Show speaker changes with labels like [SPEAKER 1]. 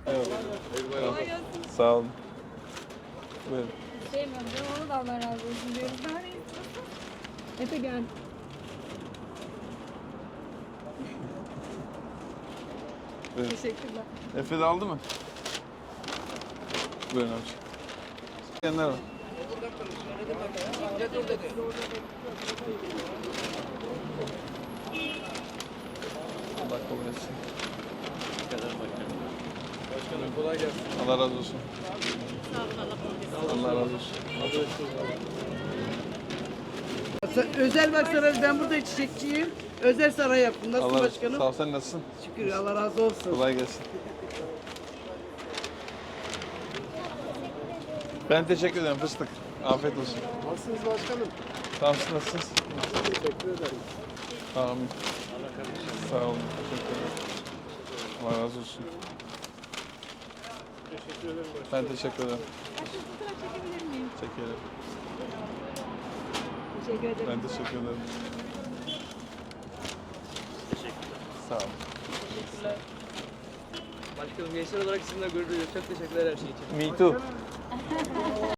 [SPEAKER 1] Evet.
[SPEAKER 2] Kolay gelsin.
[SPEAKER 1] Sağ olun. Buyurun.
[SPEAKER 2] Sevmiyorum canım, onu da Allah razı olsun diyoruz. Daha ne istiyorsun? Efe gel.
[SPEAKER 1] Buyurun.
[SPEAKER 2] Teşekkürler.
[SPEAKER 1] Efe de aldı mı? Buyurun abi. Genler var. Allah kabul etsin.
[SPEAKER 3] Başkanım kolay gelsin.
[SPEAKER 1] Allah razı olsun. Allah razı olsun.
[SPEAKER 4] Özel bak saray, ben burada çiçekçiyim. Özel saray yaptım. Nasılsın
[SPEAKER 1] Allah
[SPEAKER 4] başkanım?
[SPEAKER 1] Sağ ol, sen nasılsın?
[SPEAKER 4] Şükür, Allah razı olsun.
[SPEAKER 1] Kolay gelsin. Ben teşekkür ederim fıstık. Afiyet olsun.
[SPEAKER 3] Nasılsınız başkanım?
[SPEAKER 1] Sağ olun, nasılsınız?
[SPEAKER 3] Teşekkür ederim.
[SPEAKER 1] Amin. Sağ olun. Teşekkür ederim. Allah razı olsun.
[SPEAKER 3] Teşekkür ederim başkanım.
[SPEAKER 1] Ben teşekkür ederim.
[SPEAKER 2] Başka fotoğraf çekebilir miyim?
[SPEAKER 1] Çekelim.
[SPEAKER 2] Teşekkür ederim.
[SPEAKER 1] Ben teşekkür ederim.
[SPEAKER 5] Teşekkürler.
[SPEAKER 1] Sağ olun.
[SPEAKER 5] Teşekkürler. Başkanım gençler olarak sizinle gurur duyuyoruz. Çok teşekkürler her şey için.
[SPEAKER 1] Me too.